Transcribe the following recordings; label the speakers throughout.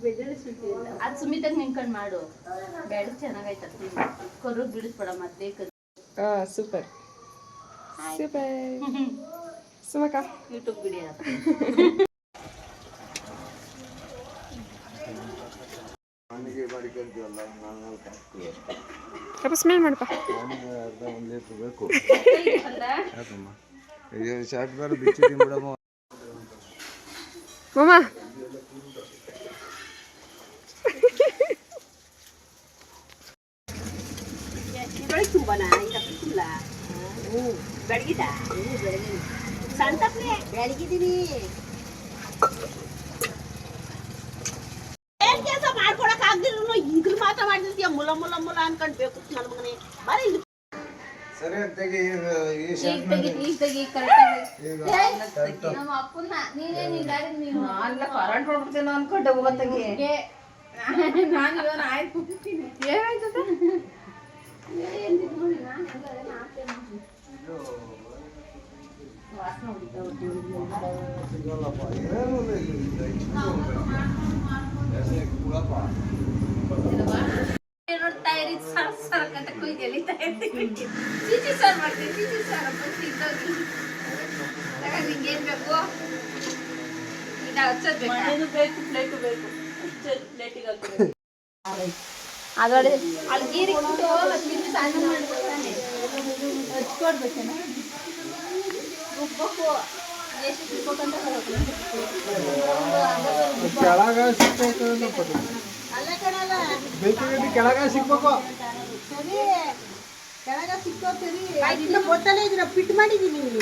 Speaker 1: ಅದು ಸುಮಿತಾಗ ನಿಂತ್ಕೊಂಡು ಮಾಡು ಬೇಡ ಚೆನ್ನಾಗೈತೆ ಕರು ಬಿಡಿಸ್ಬೇಡ ಮತ್ತೆ
Speaker 2: ಸೂಪರ್ ಸೂಪರ್ ಸುಮಕ
Speaker 1: ಯೂಟ್ಯೂಬ್ ವಿಡಿಯೋ
Speaker 2: ಸ್ವಲ್ಪ ಸ್ಮೆಲ್ ಮಾಡಪ್ಪ
Speaker 3: ಬೇಕು ಶಾರ್ಟ್ ಬಾರ್ ಬಿಚ್ಚಿ ತಿನ್ಬಿಡಮ್ಮ
Speaker 2: ಮಾಮ
Speaker 1: ತುಂಬಾನ ಬೆಳಗಿದ ಸಂತಪ್ಲೆ ಬೆಳಗಿದೀನಿ ಏನ್ ಕೆಲಸ ಮಾಡ್ಕೊಳಕ್ ಆಗ್ದಿದ್ರು ಈಗಲೂ ಮಾತ್ರ ಮಾಡ್ತಿರ್ತೀಯ ಮುಲ ಮುಲ ಮುಲ ಅನ್ಕೊಂಡ್ಬೇಕು ನನ್ನ ಮಗನೇ ಬರೀ
Speaker 3: ಸರಿ ತೆಗಿ ಈ ಶಾರ್ಟ್
Speaker 1: ಈಗ ತೆಗಿ ಕರೆಕ್ಟ್ ನಮ್ಮ ಅಪ್ಪನ ನೀನೇ ನೀ ಗಾಡಿ ನೀನು ಅಲ್ಲ ಕರೆಂಟ್ ಹೊಡ್ಬಿಡ್ತೇನೋ ಅನ್ಕೊಂಡೆ ಹೋಗತ್ತಗೆ ನಾನು ಇವನು ಆಯ್ತು ಏನಾಯ್ತದ ನೋಡ್ತಾ ಇರಿ ಸರ್ ಸರ್ ಅಂತ ಕುಯ್ದು ಎಳಿತಾ ಇರ್ತೀವಿ ಚೀಚಿ ಸರ್ ಮಾಡ್ತೀವಿ ಚೀಚಿ ಸರ್ ನಿಂಗೇನ್ ಬೇಕು ಈಗ ಹಚ್ಚೋದ್ ಬೇಕು ಪ್ಲೇಟು ಬೇಕು ಪ್ಲೇಟಿಗೆ ಹಾಕ್ಬೇಕು ಅದೊಳಗೆ ಅಲ್ಲಿ ಗೀರಿಗೆ ಬಿಟ್ಟು ತಿಂದು ಸಣ್ಣ ಮಾಡ್ಕೊತಾನೆ ಹಚ್ಕೊಡ್ಬೇಕೇನ ರುಬ್ಬಬೇಕು ಎಷ್ಟು ರುಬ್ಬೇಕಂತ
Speaker 3: ಕೆಳಗ ಸಿಕ್ಬೇಕು
Speaker 1: ಅಲ್ಲ ಕಣಲ್ಲ
Speaker 3: ಬೇಕಿದ್ರೆ ಕೆಳಗ ಸಿಕ್ಬೇಕು
Speaker 1: ಸರಿ ಕೆಳಗ ಸಿಕ್ಕೋ ಸರಿ ಇನ್ನು ಗೊತ್ತಲ್ಲೇ ಇದನ್ನ ಪಿಟ್ ಮಾಡಿದೀನಿ ಏನು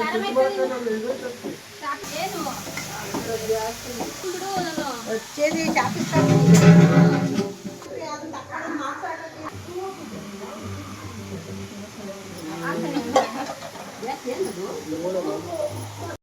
Speaker 1: ಬಿಡು ನಾನು ಹಚ್ಚೇದಿ ಚಾಪಿ ಏನದು